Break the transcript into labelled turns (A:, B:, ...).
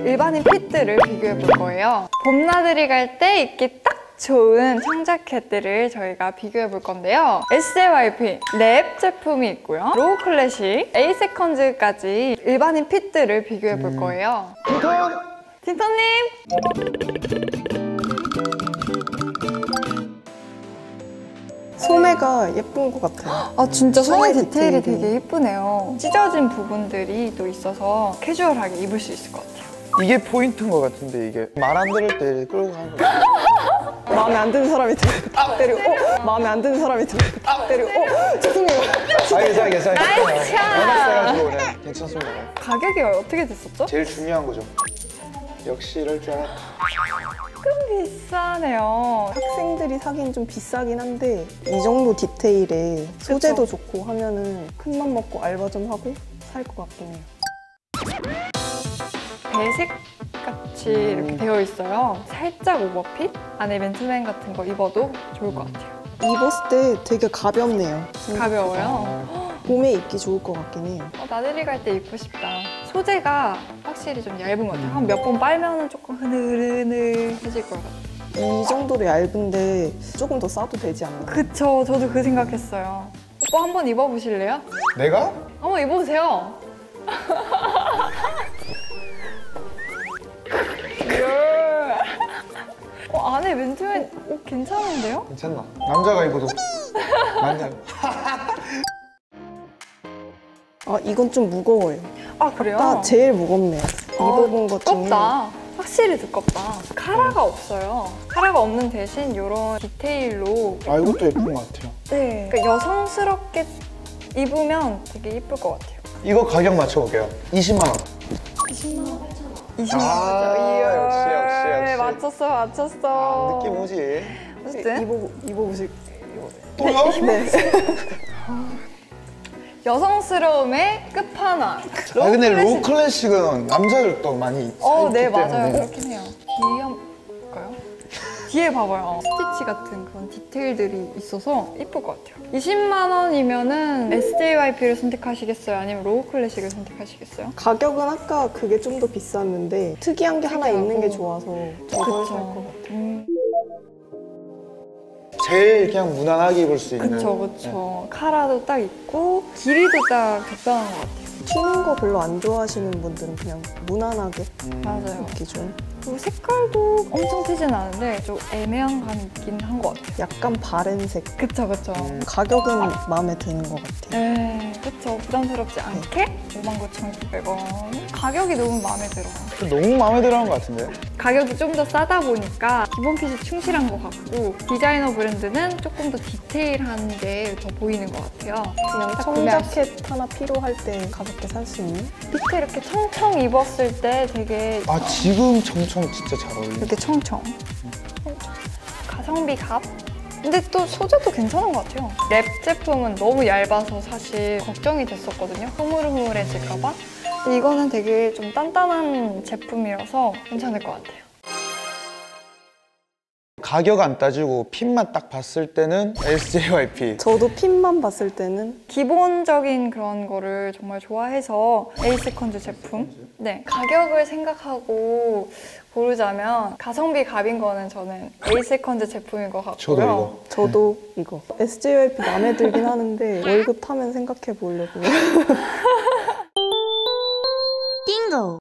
A: 일반인 핏들을 비교해 볼 거예요. 봄나들이 갈 때 입기 딱 좋은 청자켓들을 저희가 비교해 볼 건데요. SJYP 랩 제품이 있고요. 로우 클래식, A 세컨즈까지 일반인 핏들을 비교해 볼 거예요. 틴턴님!
B: 소매가 예쁜 것 같아요.
A: 아 진짜 소매
B: 소매
A: 디테일이
B: 디테일이.
A: 되게 예쁘네요. 찢어진 부분들이 또 있어서 캐주얼하게 입을 수 있을 것 같아요.
C: 이게 포인트인 것 같은데 이게 말 안 들을 때 끌고 가는 거.
B: 마음에 안 드는 사람이 딱 때리고 마음에 안 드는 사람이 딱 때리고 죄송해요.
C: 괜찮아.
A: 나이스 샷!
C: 해가지고 그냥 괜찮습니다.
A: 가격이 어떻게 됐었죠?
C: 제일 중요한 거죠. 역시 이럴 줄 알았다.
A: 조금 비싸네요.
B: 학생들이 사기엔 좀 비싸긴 한데 이 정도 디테일에 소재도 좋고 하면은 큰맘 먹고 알바 좀 하고 살 것 같긴 해요.
A: 배색 같이 이렇게 되어 있어요. 살짝 오버핏? 안에 맨투맨 같은 거 입어도 좋을 것 같아요.
B: 입었을 때 되게 가볍네요.
A: 가벼워요.
B: 봄에 입기 좋을 것 같긴 해요.
A: 나들이 갈 때 입고 싶다. 소재가 확실히 좀 얇은 것 같아요. 한 몇 번 빨면은 조금 흐느흐느해질 것 같아요.
B: 이 정도로 얇은데 조금 더 싸도 되지 않나?
A: 그쵸, 저도 그 생각했어요. 오빠 한번 입어보실래요?
C: 내가?
A: 한번 입어보세요. 안에 맨투맨 옷 괜찮은데요?
C: 괜찮나? 남자가 입어도 맞냐?
B: 아 이건 좀 무거워요.
A: 아 그래요?
B: 아 제일 무겁네요. 입어본 것 중에.
A: 두껍다. 확실히 두껍다. 카라가 없어요. 카라가 없는 대신 이런 디테일로
C: 아 이것도 예쁜 것 같아요.
A: 네. 그러니까 여성스럽게 입으면 되게 예쁠 것 같아요.
C: 이거 가격 맞춰볼게요. 20만 원.
A: 20만 원. 20만
C: 아,
A: 원이죠.
C: 역시.
A: 맞췄어.
C: 느낌 오지?
A: 어쨌든
B: 입어보실.
C: 또요?
B: 네.
A: 여성스러움의 끝판왕.
C: 아 근데 로우 클래식은 남자들도 많이 입기
A: 네
C: 때문에.
A: 맞아요. 그렇긴 해요. 뒤에 한번 볼까요? 뒤에 봐봐요. 스티치 같은 그런 디테일들이 있어서 예쁠 것 같아요. 20만 원이면은 SJYP를 선택하시겠어요? 아니면 로우 클래식을 선택하시겠어요?
B: 가격은 아까 그게 좀 더 비쌌는데 특이한 게 하나 있는 게 좋아서 저걸 살 것 같아요.
C: 제일 그냥 무난하게 입을 수 있는.
A: 그쵸. 카라도 딱 있고 길이도 딱 적당한 것 같아요.
B: 튀는 거 별로 안 좋아하시는 분들은 그냥 무난하게
A: 맞아요.
B: 입기 좋은.
A: 그리고 색깔도 엄청 튀진 않은데 좀 애매한 감이 있긴 한 것 같아요.
B: 약간 바른색.
A: 그쵸.
B: 가격은 마음에 드는 것 같아요.
A: 네, 그쵸. 부담스럽지 않게 59,900원. 가격이 너무 마음에 들어요.
C: 너무 마음에 들어하는 것 같은데?
A: 가격이 좀 더 싸다 보니까 기본 핏이 충실한 것 같고 디자이너 브랜드는 조금 더 디테일한 게 더 보이는 것 같아요.
B: 그냥 청자켓 하나 필요할 때 가볍게 살 수 있는?
A: 밑에 이렇게 청청 입었을 때 되게
C: 아 지금 청청 진짜 잘 어울리네.
A: 이렇게 청청. 가성비 값? 근데 또 소재도 괜찮은 것 같아요. 랩 제품은 너무 얇아서 사실 걱정이 됐었거든요. 흐물흐물해질까 봐. 근데 이거는 되게 좀 단단한 제품이라서 괜찮을 것 같아요.
C: 가격 안 따지고 핏만 딱 봤을 때는 SJYP.
B: 저도 핏만 봤을 때는
A: 기본적인 그런 거를 정말 좋아해서 A 세컨즈 제품. 네, 가격을 생각하고 고르자면 가성비 갑인 거는 저는 A 세컨즈 제품인 것 같고요.
C: 저도 이거.
B: 저도 이거. SJYP 마음에 들긴 하는데 월급 타면 생각해 보려고요.
D: 띵고!